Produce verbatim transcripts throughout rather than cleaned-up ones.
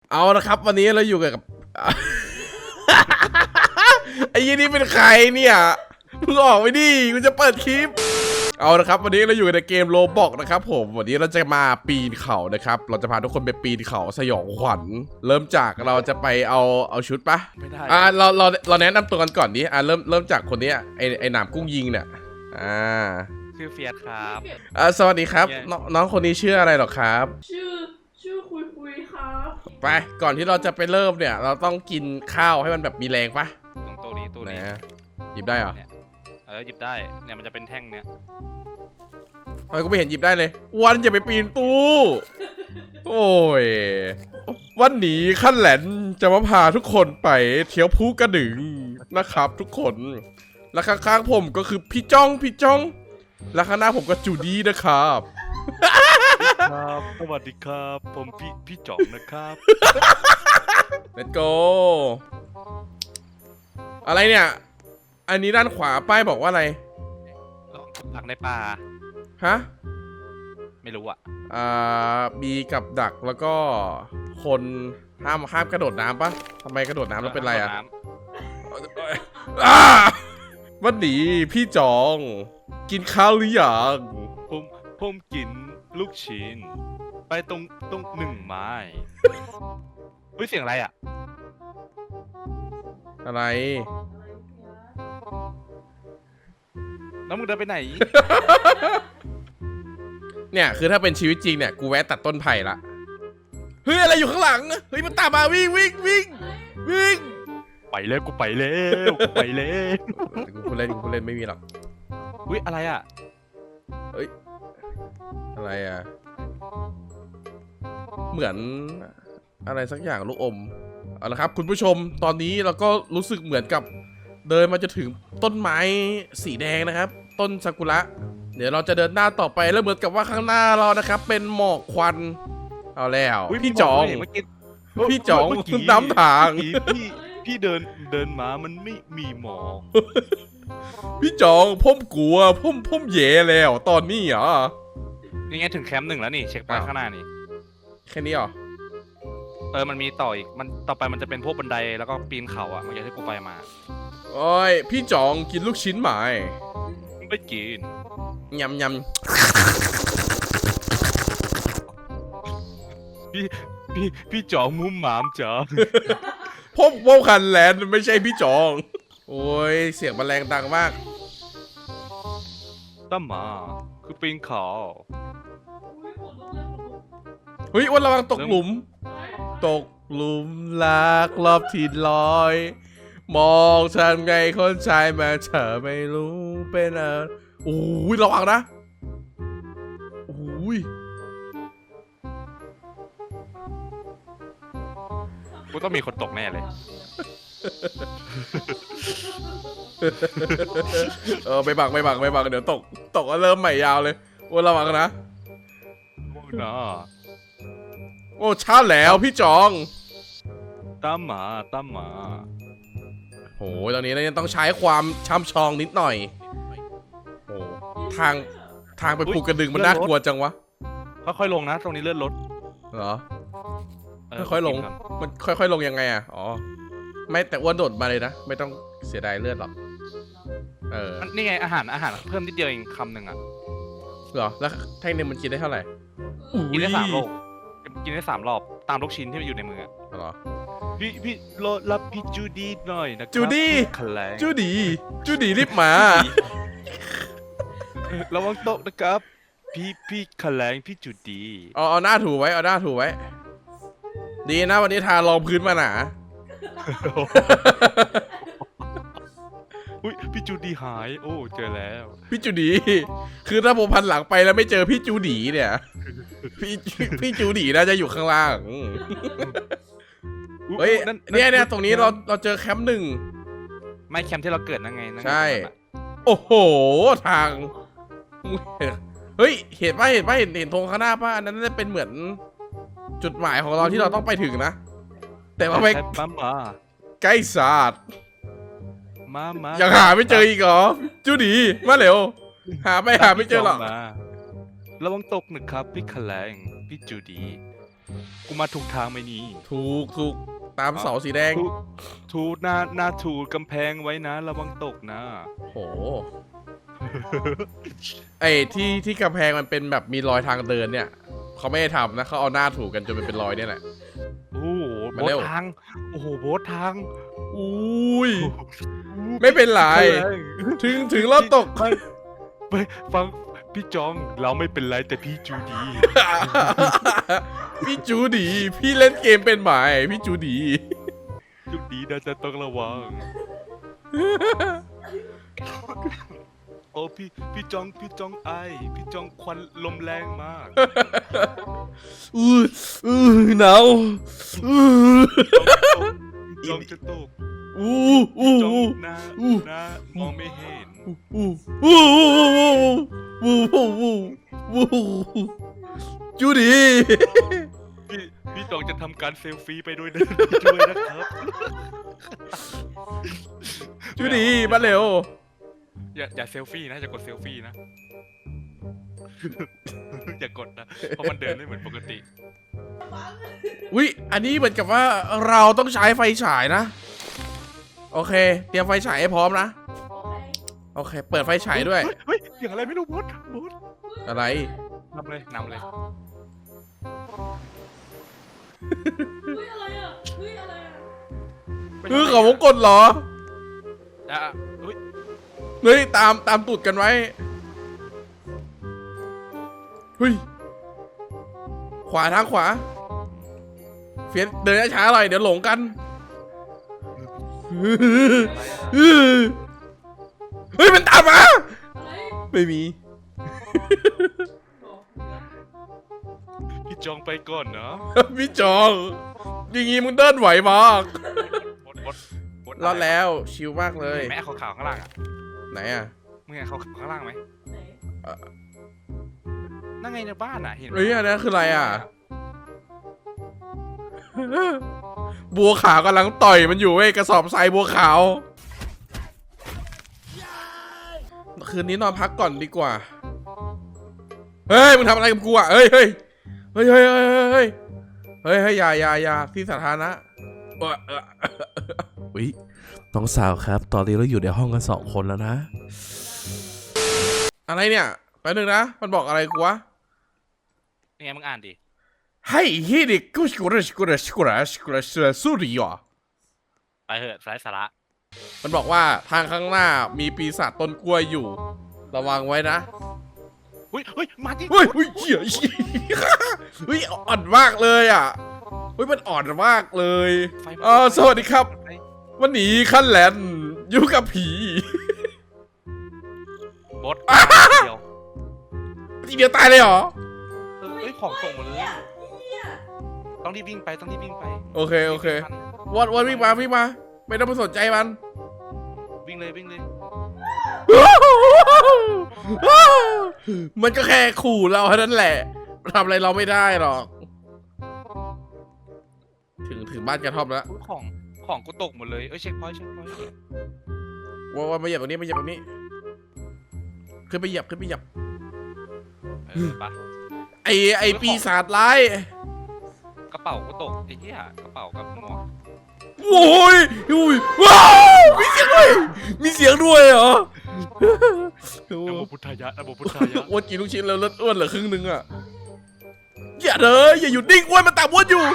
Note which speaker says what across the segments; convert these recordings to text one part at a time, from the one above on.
Speaker 1: เอาละครับวันนี้เราอยู่กับ ไอ้ยี่นี่เป็นใครเนี่ยมึงออกไปดิกูจะเปิดคลิปเอาละครับวันนี้เราอยู่ในเกมโรบอกนะครับผมวันนี้เราจะมาปีนเขานะครับเราจะพาทุกคนไปปีนเขาสยองขวัญเริ่มจากเราจะไปเอาเอาชุดปะไม่ได้อ่าเราเราเราแนะนำตัวกันก่อนดิอ่าเริ่มเริ่มจากคนนี้ไอไอหนามกุ้งยิงเนี่ยอ่า
Speaker 2: ชื่อเฟียสครับ
Speaker 1: อ่าสวัสดีครับน้องน้องคนนี้ชื่ออะไรหรอครับ
Speaker 3: ชื่อชื่อคุยคุยครับ
Speaker 1: ไปก่อนที่เราจะไปเริ่มเนี่ยเราต้องกินข้าวให้มันแบบมีแรงปะ
Speaker 2: ตรงตัวนี้ตัวนี้
Speaker 1: หยิบได้เหรอ
Speaker 2: เออหยิบได้เนี่ยมันจะเป็นแท่งเนี่ย
Speaker 1: ทำไมกูไม่เห็นหยิบได้เลยวันอย่าไปปีนตู้โอ้ยวันนี้ขั้นแหลนจะมาพาทุกคนไปเที่ยวภูกระดึงนะครับทุกคนและข้างๆผมก็คือพี่จ้องพี่จ้องและข้างหน้าผมก็จูดี้นะครับ
Speaker 2: ครับสวัสดีครับผมพี่พี่จ่องนะครับ
Speaker 1: Let's go อะไรเนี่ยอันนี้ด้านขวาป้ายบอกว่าอะไร
Speaker 2: ดักในป่า
Speaker 1: ฮะ
Speaker 2: ไม่รู้อ่ะ
Speaker 1: อ่ามีกับดักแล้วก็คนห้ามห้ามกระโดดน้ำปะทำไมกระโดดน้ำแล้วเป็นไรอ่ะวันนี้พี่จองกินข้าวหรือยัง
Speaker 2: ผมผมกินลูกชิ้นไปตรงตรงหนึ่งไม้เฮ้ยเสียงอะไรอ่ะ
Speaker 1: อะไร
Speaker 2: แล้วมึงเดินไปไหน
Speaker 1: เนี่ยคือถ้าเป็นชีวิตจริงเนี่ยกูแวะตัดต้นไผ่ละเฮ้ยอะไรอยู่ข้างหลังเฮ้ยมันตามมาวิ่งวิ่งวิ่งวิ่ง
Speaker 2: ไปแล้วกูไปแล้วกูไปแล้ว
Speaker 1: กูพูดเล่นกูพูดเล่นไม่มีหรอก
Speaker 2: อุ้ยอะไรอ่ะ
Speaker 1: เฮ้ยอะไรอ่ะเหมือนอะไรสักอย่างลูกอมเอาละครับคุณผู้ชมตอนนี้เราก็รู้สึกเหมือนกับเดินมาจะถึงต้นไม้สีแดงนะครับต้นซากุระเดี๋ยวเราจะเดินหน้าต่อไปแล้วเหมือนกับว่าข้างหน้าเรานะครับเป็นหมอกควันเอาแล้วพี่จองพี่จองน้ำทาง
Speaker 2: พี่พี่เดินเดินมามันไม่มีหมอก
Speaker 1: พี่จองพ่มกลัวพ่มพ่มเย่แล้วตอนนี้เหรอ
Speaker 2: นี่ไงถึงแคมป์หนึ่งแล้วนี่เช็คไปข้างหน้านี่
Speaker 1: แค่นี้เหรอ
Speaker 2: เออมันมีต่ออีกมันต่อไปมันจะเป็นพวกบันไดแล้วก็ปีนเขาอ่ะมันจะที่กูไปมา
Speaker 1: โอ้ยพี่จองกินลูกชิ้นไหม
Speaker 2: ไม่กิน
Speaker 1: ยำยำ
Speaker 2: พี่พี่พี่จองมุมหมามจ๋า
Speaker 1: พ่มพ่มคันแลนไม่ใช่พี่จองโอ้ยเสียงมันแรงดังมาก
Speaker 2: ตั้มมาคือปีนเขา
Speaker 1: เฮ้ยวันระวังตกหลุมตกหลุมรักรอบที่ลอยมองฉันไงคนชายมาเธอไม่รู้เป็นอะไรโอ้ยระวังนะโอ้ย
Speaker 2: กูต้องมีคนตกแน่เลย
Speaker 1: เออไม่บังไม่บังไม่บังเดี๋ยวตกตกก็เริ่มใหม่ยาวเลยโอ้ระวังนะ
Speaker 2: นะ
Speaker 1: โอ้ช้าแล้วพี่จอง
Speaker 2: ตามมาตามมา
Speaker 1: โหตอนนี้เราต้องใช้ความช่ำชองนิดหน่อยโอ้ทางทางไปภูกระดึงมันน่ากลัวจังวะ
Speaker 2: ค่อยๆลงนะตรงนี้เลื่อนรถ
Speaker 1: เหรอค่อยๆลงมันค่อยๆลงยังไงอ่ะอ๋อไม่แต่อ้วนโดดมาเลยนะไม่ต้องเสียดายเลือดหรอกเออ
Speaker 2: นี่ไงอาหารอาหารเพิ่มนิดเดียวเองคำหนึ่งอ่ะ
Speaker 1: เหรอแล้วแท่งนึงมันกินได้เท่าไหร่
Speaker 2: กินได้สามรอบกินได้สามรอบตามลูกชิ้นที่มันอยู่ในมือ
Speaker 1: เหรอ
Speaker 2: พี่พี่รอรับพี่จูดี้หน่อยนะครับ
Speaker 1: จูดี้จูดี้จูดี้รีบมา
Speaker 2: ระวังตกนะครับพี่พี่ขแลงพี่จูดี้
Speaker 1: เอาเอาหน้าถูไว้เอาหน้าถูไว้ดีนะวันนี้ทารองพื้นมาหนา
Speaker 2: อุ้ยพี่จูดี้หายโอ้เจอแล้ว
Speaker 1: พี่จูดี้คือถ้าผมพันหลังไปแล้วไม่เจอพี่จูดี้เนี่ยพี่พี่จูดี้น่าจะอยู่ข้างล่างเฮ้ยเนี่ยเนี่ยตรงนี้เราเราเจอแคมป์หนึ่ง
Speaker 2: ไม่แคมป์ที่เราเกิดนั่นไง
Speaker 1: ใช่โอ้โหทางเฮ้ยเห็นป่ะเห็นป่ะเห็นเห็นธงข้างหน้าป่ะอันนั้นจะเป็นเหมือนจุดหมายของเราที่เราต้องไปถึงนะแต่ว่าไปใกล้ศาสตร์
Speaker 2: มามา
Speaker 1: ยังหาไม่เจออีกเหรอจูดี้มาเร็วหาไปหาไม่เจอหรอก
Speaker 2: ระวังตกหนึ่งครับพี่ขแลงพี่จูดี้กูมาถูกทางไหมนี่
Speaker 1: ถูกถูกตามเสาสีแดง
Speaker 2: ถูถูหน้าหน้าถูกำแพงไว้นะระวังตกนะ
Speaker 1: โห ไอ้ที่ที่กำแพงมันเป็นแบบมีรอยทางเดินเนี่ยเขาไม่ได้ทำนะเขาเอาหน้าถูกกันจนมันเป็นรอยเนี่ยแหละ
Speaker 2: โอ้โห
Speaker 1: มา
Speaker 2: โบ
Speaker 1: เร็
Speaker 2: ส
Speaker 1: ว
Speaker 2: ทางโอ้โหโบสทาง
Speaker 1: อุ้ย ไม่เป็นไร ถึงถึงรอบตก
Speaker 2: ไปไปฟังพี่จองเราไม่เป็นไรแต่พี่จูดี
Speaker 1: พี่จูดีพี่เล่นเกมเป็นไหมพี่จูดี
Speaker 2: จูดีน่าจะต้องระวัง โอ้พี่พี่จองพี่จองไอพี่จองควันลมแรงมาก
Speaker 1: อืออือหนาวอือ
Speaker 2: พี่จองจะตก
Speaker 1: อู้อู้
Speaker 2: จอง
Speaker 1: อู้
Speaker 2: หน้า
Speaker 1: อู้
Speaker 2: หน้ามองไม่เห็น
Speaker 1: อู้อู้อู้อู้อู้อู้จูดี
Speaker 2: พี่พี่จองจะทำการเซลฟี่ไปด้วยนะด้วยนะครับ
Speaker 1: จูดีมาเร็ว
Speaker 2: อย่าอย่าเซลฟี่นะอย่ากดเซลฟี่นะ อย่ากดนะเพราะมันเดินไม่เหมือนปกติ
Speaker 1: วิอันนี้เหมือนกับว่าเราต้องใช้ไฟฉายนะโอเคเตรียมไฟฉายให้พร้อมนะ
Speaker 3: โอเค
Speaker 1: โอเค เปิดไฟฉายด้วย
Speaker 2: เฮ้ยเสียงอะไรไม่รู้บดบด
Speaker 1: อะไร
Speaker 2: นำเลยนำเลย
Speaker 3: เฮ้ยอะไรอ่ะเฮ้ยอะไรอ่ะ
Speaker 1: เออเขาวงกดเหรอ
Speaker 2: อ่ะเฮ้ย
Speaker 1: เฮ้ยตามตามตูดกันไว้เฮ้ยขวาทางขวาเฟียสเดินช้าๆหน่อยเดี๋ยวหลงกันเฮ้ยมันตามมา
Speaker 3: อะไร
Speaker 1: ไม่มี
Speaker 3: บอก
Speaker 2: พี่จองไปก่อนนะ
Speaker 1: พี่จองอย่างงี้มึงเดินไหวมาก
Speaker 2: บดบดบด
Speaker 1: รอดแล้วชิลมากเลย
Speaker 2: เห็นไหมขาวๆข้างล่างอ่ะ
Speaker 1: ไหนอ่ะ
Speaker 2: มึงเห็นขาวๆข้างล่างไหม
Speaker 3: ไหน
Speaker 2: นั่งไงในบ้านอ่ะเห็นไหม
Speaker 1: เฮ้ยอันนั้นคืออะไรอ่ะ บัวขาวกำลังต่อยมันอยู่เว้ยกระสอบทรายบัวขาวคืนนี้นอนพักก่อนดีกว่าเฮ้ยมึงทำอะไรกับกูอ่ะเฮ้ยเฮ้ยเฮ้ยเฮ้ยเฮ้ยเฮ้ยเฮ้ยเฮ้ยอย่าอย่าอย่าที่สาธารณะเออเอออุ้ยน้องสาวครับ ตอนนี้เราอยู่ในห้องกันสองคนแล้วนะ อะไรเนี่ยแป๊บนึงนะมันบอกอะไรกูวะ
Speaker 2: ยังไงมึงอ่านดิ
Speaker 1: ให้ฮิดิกุสกุรสกุรสกุรสกุรสสุริยอ
Speaker 2: ไปเถอะไร้สาระ
Speaker 1: มันบอกว่าทางข้างหน้ามีปีศาจต้นกล้วยอยู่ ระวังไว้นะ
Speaker 2: เฮ้ยเฮ้ยมาดิ
Speaker 1: เฮ้ยเฮ้ยเหี้ยเหี้ยเฮ้ยอ่อนมากเลยอ่ะเฮ้ยมันอ่อนมากเลย
Speaker 2: ไฟมัน
Speaker 1: อ๋อสวัสดีครับ วันนี้ขั้นแลนอยู่กับผี
Speaker 2: บดเดียว
Speaker 1: ทีเดียวตายเลยเหรอ
Speaker 2: เออเฮ้ยของส่งหมดเลย
Speaker 3: เหี้ยเหี้ย
Speaker 2: ต้องรีบวิ่งไปต้องรีบวิ่งไป
Speaker 1: โอเคโอเควันวันวิ่งมาวิ่งมาไม่ต้องไปสนใจมัน
Speaker 2: วิ่งเลยวิ่งเลย
Speaker 1: มันก็แค่ขู่เราเท่านั้นแหละทำอะไรเราไม่ได้หรอก ถึงถึงบ้านกระท่อมแล้ว
Speaker 2: อุ๊ยของของกูตกหมดเลยเอ้ยเช็คพอยต์เช็คพอยต์
Speaker 1: ว่าว่ามาเหยียบตรงนี้มาเหยียบตรงนี้ขึ้นไปเหยียบขึ้นไปเหยียบ
Speaker 2: เออไป
Speaker 1: ไอไอปีศาจร้าย
Speaker 2: กระเป๋ากูตกไอ้เหี้ยกระเป๋ากับหมวก
Speaker 1: โอ้ยอุ้ยว้าวมีเสียงด้วยมีเสียงด้วยเหรอ
Speaker 2: นะโมพุทธายะนะโมพุทธายะ
Speaker 1: อ้วนกินลูกชิ้นแล้วเลือดอ้วนเหลือครึ่งนึงอ่ะอย่าเลยอย่าหยุดนิ่งอ้วนมันตามอ้วนอยู่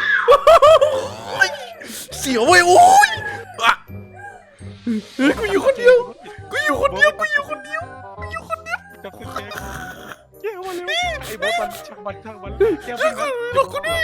Speaker 1: เสียวเว้ยโอ้ยอ่ะเฮ้ยกูอยู่คนเดียวกูอยู่คนเดียวกูอยู่คนเดียวกูอยู่คนเดียว
Speaker 2: จับขึ้นแกเจ้ามาเร็วไอ้บอสมันช่างมันช่างมันเจ้า
Speaker 1: ช่วย
Speaker 2: มัน
Speaker 1: กูกูด้วย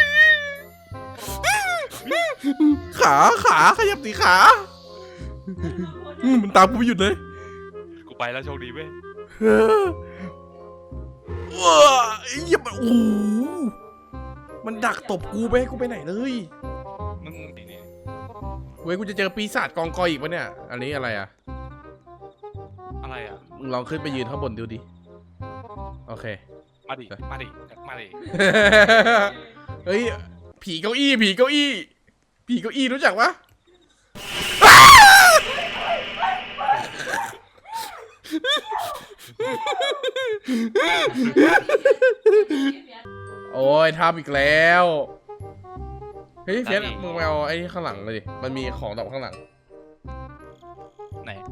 Speaker 1: ขาขาขยับสีขาอืมมันตามกูไม่หยุดเลย
Speaker 2: กูไปแล้วโชคดีเว้ย
Speaker 1: เออว้าไอ้เหี้ยมันโอ้โหมันดักตบกูไปให้กูไปไหนเลย
Speaker 2: มึงนี่นี่
Speaker 1: เว้ยกูจะเจอปีศาจกองกอยอีกปะเนี่ย อันนี้อะไรอ่ะ
Speaker 2: อะไรอ่ะ
Speaker 1: มึงลองขึ้นไปยืนข้างบนดูดิ โอเค
Speaker 2: มาดิมาดิมาดิ
Speaker 1: เฮ้ย ผีเก้าอี้ ผีเก้าอี้ ผีเก้าอี้รู้จักปะโอ้ยทำอีกแล้วเฮ้ยเฟียสมึงมาเอาไอ้ข้างหลังเลยดิมันมีของดอกข้างหลัง
Speaker 2: ไหน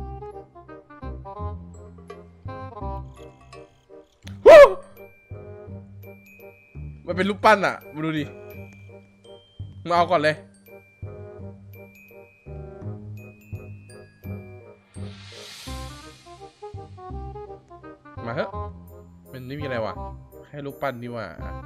Speaker 1: มันเป็นรูปปั้นอ่ะมาดูดิมาเอาก่อนเลยมาเถอะมันไม่มีอะไรวะแค่รูปปั้นนี่ว่า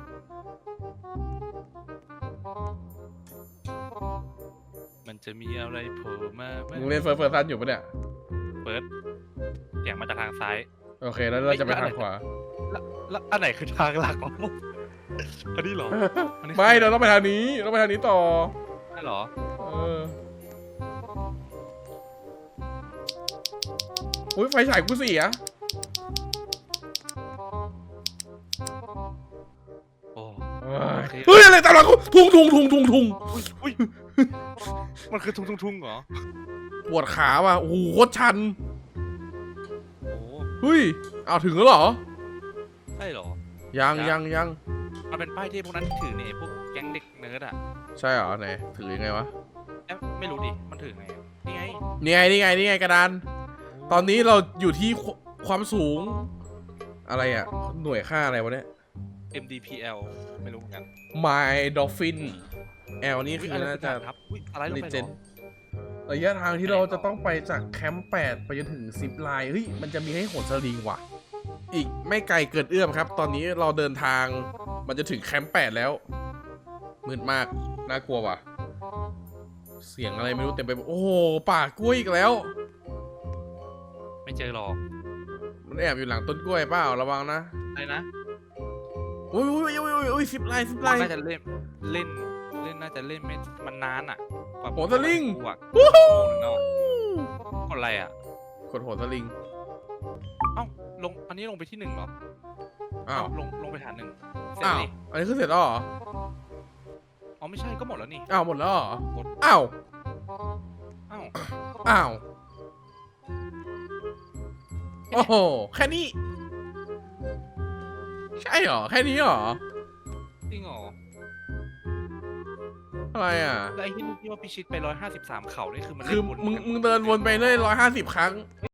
Speaker 2: มันจะมีอะไรโผล่มาไหม
Speaker 1: มึงเล่นเฟิร์สเฟิร์สซันอยู่ปะเนี่ย
Speaker 2: เปิดเสียงมาจากทางซ้าย
Speaker 1: โอเคแล้วเราจะไปทางขวา
Speaker 2: แล้วแล้วอันไหนคือทางหลักของผมอันนี้เหรออันนี้คือ
Speaker 1: ไม่เราต้องไปทางนี้เราต้องไปทางนี้ต่อ
Speaker 2: ใช่เหรอ
Speaker 1: เอออุ้ยไฟฉายกูเสีย
Speaker 2: โอ้
Speaker 1: เฮ้ยเฮ้ยอะไรตามหลังกูทุงทุงทุงทุงทุง
Speaker 2: อุ้ยอุ้ยมันคือทุ่งทุ่งทุ่งเหรอ
Speaker 1: ปวดขาว่ะโอ้โหโคตรชัน
Speaker 2: โอ้
Speaker 1: เฮ้ยเอาถึงแล้วเหรอ
Speaker 2: ใช่เหรอ
Speaker 1: ยัง
Speaker 2: ยั
Speaker 1: ยัง งยัง
Speaker 2: มันเป็นป้ายที่พวกนั้นถือเนี่ยพวกแก๊งเด็กเนิร์ดอ่ะ
Speaker 1: ใช่เหรอไหนถือยังไงวะ
Speaker 2: เอ๊ะไม่รู้ดิมันถือไงนี่ไง
Speaker 1: นี่ไงนี่ไงนี่ไงกระดานตอนนี้เราอยู่ที่ควความสูง อะไรอ่ะ หน่วยค่าอะไรวะเนี่ย
Speaker 2: เอ็ม ดี พี แอล ไม่รู้เหมือนกัน
Speaker 1: My Dolphin L นี่คือ
Speaker 2: อุ๊ยอะไร
Speaker 1: น่าจะ
Speaker 2: ครับอุ้ยอะไรลงไปเหร
Speaker 1: Legend
Speaker 2: อ
Speaker 1: ระยะทางที่เราจะต้องไปจากแคมป์แปดไปจนถึงซิปไลน์เฮ้ยมันจะมีให้โหนสลิงว่ะ อีกไม่ไกลเกินเอื้อมครับ ตอนนี้เราเดินทางมันจะถึงแคมป์แปดแล้วมืดมากน่ากลัวว่ะ เสียงอะไรไม่รู้เต็มไปหมดโอ้โหป่ากล้วยอีกแล้ว
Speaker 2: ไม่เจอหรอก
Speaker 1: มันแอบอยู่หลังต้นกล้วยเปล่าระวังนะ
Speaker 2: อะไรนะ
Speaker 1: อุ้ยอุ้ยอุ้ยอุ้ยอุ้ยซิปไลน์ซิปไลน์
Speaker 2: น่าจะเล่นเล่นเล่นน่าจะเล่นไม่มันนานอ่ะกว่า
Speaker 1: โหนสลิง
Speaker 2: กว่า
Speaker 1: วู้
Speaker 2: ชั่
Speaker 1: ฮู้
Speaker 2: วโมงนึงแล้วอะคนอะไรอ่ะ
Speaker 1: กดโหนสลิง
Speaker 2: เอ้าลงอันนี้ลงไปที่หนึ่งเหรอ
Speaker 1: อ้าว
Speaker 2: เลงลงไปฐานหนึ่งเสร็จ
Speaker 1: อ้าว
Speaker 2: นี่
Speaker 1: อันนี้คือเสร็จแล้วเหรอ
Speaker 2: อ๋อไม่ใช่ก็หมดแล้วนี่
Speaker 1: อ้าวหมดแล้วเหรอ
Speaker 2: หมด
Speaker 1: อ้าว
Speaker 2: เอ้า
Speaker 1: อ้าวโอ้โหแค่นี้ใช่เหรอแค่นี้เหรอ
Speaker 2: จริงเหรอ
Speaker 1: อะไรอ่ะ
Speaker 2: แล้วไอ้ที่ที่ว่าพิชิตไปร้อยห้าสิบสามเข่านี่คือมัน
Speaker 1: คือ
Speaker 2: เล่นวน
Speaker 1: มึง
Speaker 2: กัน
Speaker 1: มึงเดินวนไปเรื่อยร้อยห้าสิบครั้ง